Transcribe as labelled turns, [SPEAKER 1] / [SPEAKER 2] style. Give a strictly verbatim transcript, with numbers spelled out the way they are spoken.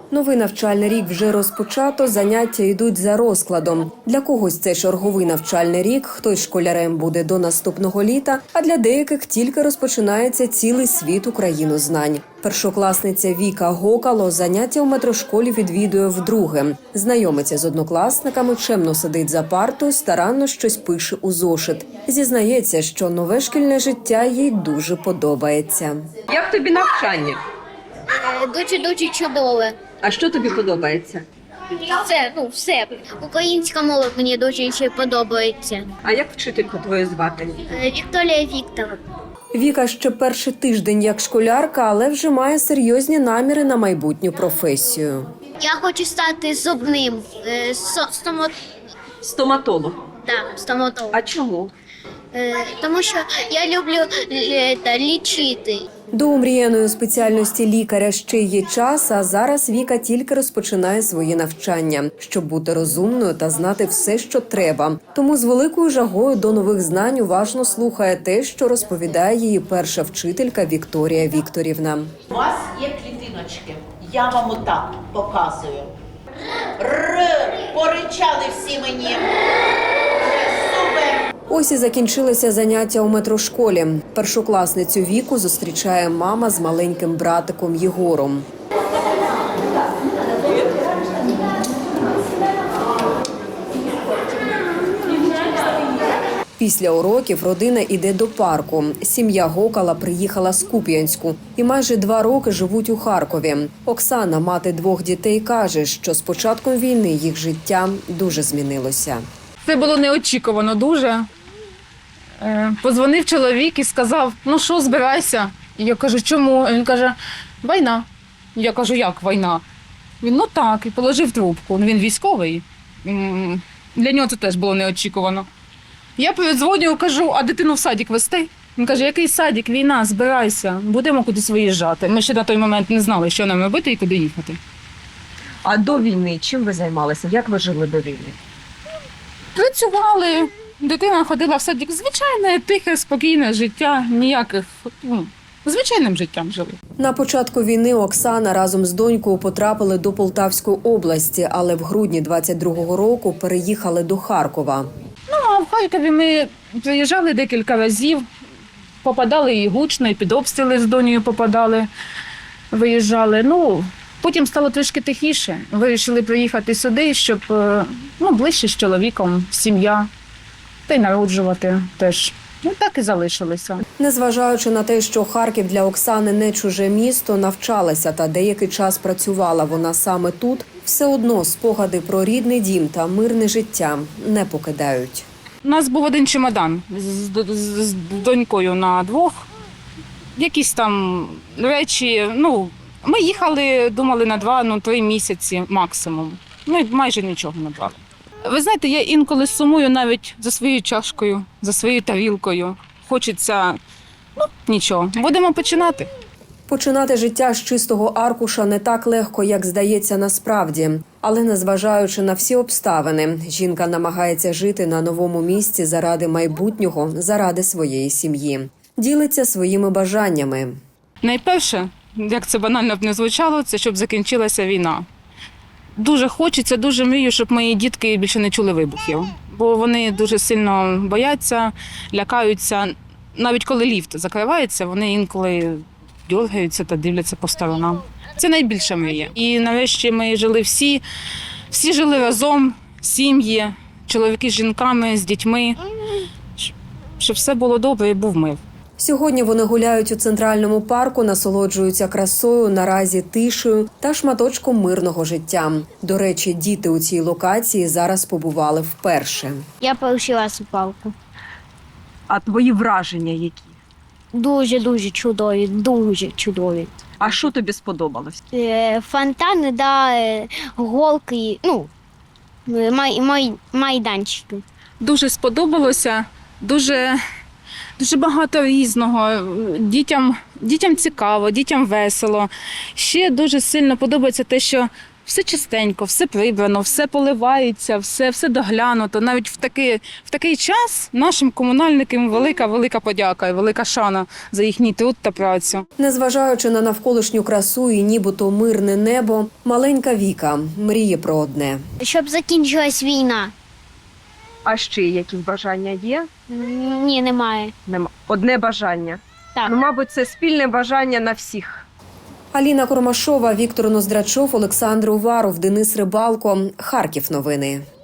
[SPEAKER 1] Новий навчальний рік вже розпочато, заняття йдуть за розкладом. Для когось це черговий навчальний рік, хтось школярем буде до наступного літа, а для деяких тільки розпочинається цілий світ українознань. Першокласниця Віка Гокало заняття у метрошколі відвідує вдруге. Знайомиться з однокласниками, чемно сидить за партою, старанно щось пише у зошит. Зізнається, що нове шкільне життя їй дуже подобається.
[SPEAKER 2] Як тобі навчання?
[SPEAKER 3] Дуже-дуже чудове.
[SPEAKER 2] А що тобі подобається?
[SPEAKER 3] Все, ну все. Українська мова мені дуже ще подобається.
[SPEAKER 2] А як вчительку твою звати?
[SPEAKER 3] Е, Вікторія Вікторовна.
[SPEAKER 1] Віка ще перший тиждень як школярка, але вже має серйозні наміри на майбутню професію.
[SPEAKER 3] Я хочу стати зубним е, со- стомо...
[SPEAKER 2] Стоматолог.
[SPEAKER 3] да, стоматологом.
[SPEAKER 2] А чому?
[SPEAKER 3] Е, тому що я люблю е, та, лічити.
[SPEAKER 1] До омріяної спеціальності лікаря ще є час, а зараз Віка тільки розпочинає свої навчання, щоб бути розумною та знати все, що треба. Тому з великою жагою до нових знань уважно слухає те, що розповідає її перша вчителька Вікторія Вікторівна.
[SPEAKER 4] У вас є клітиночки. Я вам отак показую. Р, поричали всі мені. Супер.
[SPEAKER 1] Ось і закінчилися заняття у метрошколі. Першокласницю Віку зустрічає мама з маленьким братиком Єгором. Після уроків родина йде до парку. Сім'я Гокала приїхала з Куп'янську і майже два роки живуть у Харкові. Оксана, мати двох дітей, каже, що з початком війни їх життя дуже змінилося.
[SPEAKER 5] Це було неочікувано дуже. Е, Подзвонив чоловік і сказав, ну що, збирайся. І я кажу, чому? Він каже, війна. Я кажу, як війна? Він, ну так, і положив трубку. Він військовий. М, Для нього це теж було неочікувано. Я передзвоню, кажу, а дитину в садик вести? Він каже, який садик, війна, збирайся, будемо кудись виїжджати. Ми ще на той момент не знали, що нам робити і куди їхати.
[SPEAKER 2] А до війни чим ви займалися? Як ви жили до війни?
[SPEAKER 5] Працювали, дитина ходила в садик. Звичайне, тихе, спокійне життя, ніяких, ну, звичайним життям жили.
[SPEAKER 1] На початку війни Оксана разом з донькою потрапили до Полтавської області, але в грудні двадцять другого року переїхали до Харкова.
[SPEAKER 5] Ну, а в Харкові ми приїжджали декілька разів, попадали і гучно, і під обстріли з донею попадали, виїжджали. Ну, потім стало трішки тихіше. Вирішили приїхати сюди, щоб, е, ну, ближче з чоловіком, сім'я, та й народжувати теж. Ну, так і залишилися.
[SPEAKER 1] Незважаючи на те, що Харків для Оксани не чуже місто, навчалася та деякий час працювала вона саме тут, все одно спогади про рідний дім та мирне життя не покидають.
[SPEAKER 5] У нас був один чемодан з, з, з донькою на двох. Якісь там речі, ну, ми їхали, думали на два, ну, три місяці максимум. Ну, і майже нічого не брали. Ви знаєте, я інколи сумую навіть за своєю чашкою, за своєю тарілкою. Хочеться, ну, нічого. Будемо починати.
[SPEAKER 1] Починати життя з чистого аркуша не так легко, як здається насправді. Але незважаючи на всі обставини, жінка намагається жити на новому місці заради майбутнього, заради своєї сім'ї. Ділиться своїми бажаннями.
[SPEAKER 5] Найперше, як це банально б не звучало, це щоб закінчилася війна. Дуже хочеться, дуже мрію, щоб мої дітки більше не чули вибухів. Бо вони дуже сильно бояться, лякаються. Навіть коли ліфт закривається, вони інколи дергаються та дивляться по сторонам. Це найбільша мрія. І нарешті ми жили всі, всі жили разом, сім'ї, чоловіки з жінками, з дітьми, щоб все було добре і був мир.
[SPEAKER 1] Сьогодні вони гуляють у центральному парку, насолоджуються красою, наразі тишею та шматочком мирного життя. До речі, діти у цій локації зараз побували вперше.
[SPEAKER 3] Я порушила палку.
[SPEAKER 2] А твої враження які?
[SPEAKER 3] Дуже-дуже чудові, дуже чудові.
[SPEAKER 2] А що тобі сподобалось?
[SPEAKER 3] Е, фонтани, да, е, голки, ну, май, май, майданчики.
[SPEAKER 5] Дуже сподобалося, дуже, дуже багато різного. Дітям, дітям цікаво, дітям весело. Ще дуже сильно подобається те, що все чистенько, все прибрано, все поливається, все, все доглянуто. Навіть в такий, в такий час нашим комунальникам велика-велика подяка і велика шана за їхній труд та працю.
[SPEAKER 1] Незважаючи на навколишню красу і нібито мирне небо, маленька Віка мріє про одне.
[SPEAKER 3] Щоб закінчилась війна.
[SPEAKER 2] А ще якісь бажання є?
[SPEAKER 3] М, Ні, немає.
[SPEAKER 2] Нема. Одне бажання.
[SPEAKER 3] Так.
[SPEAKER 2] Ну, мабуть, це спільне бажання на всіх.
[SPEAKER 1] Аліна Кормашова, Віктор Ноздрачов, Олександр Уваров, Денис Рибалко. Харків новини.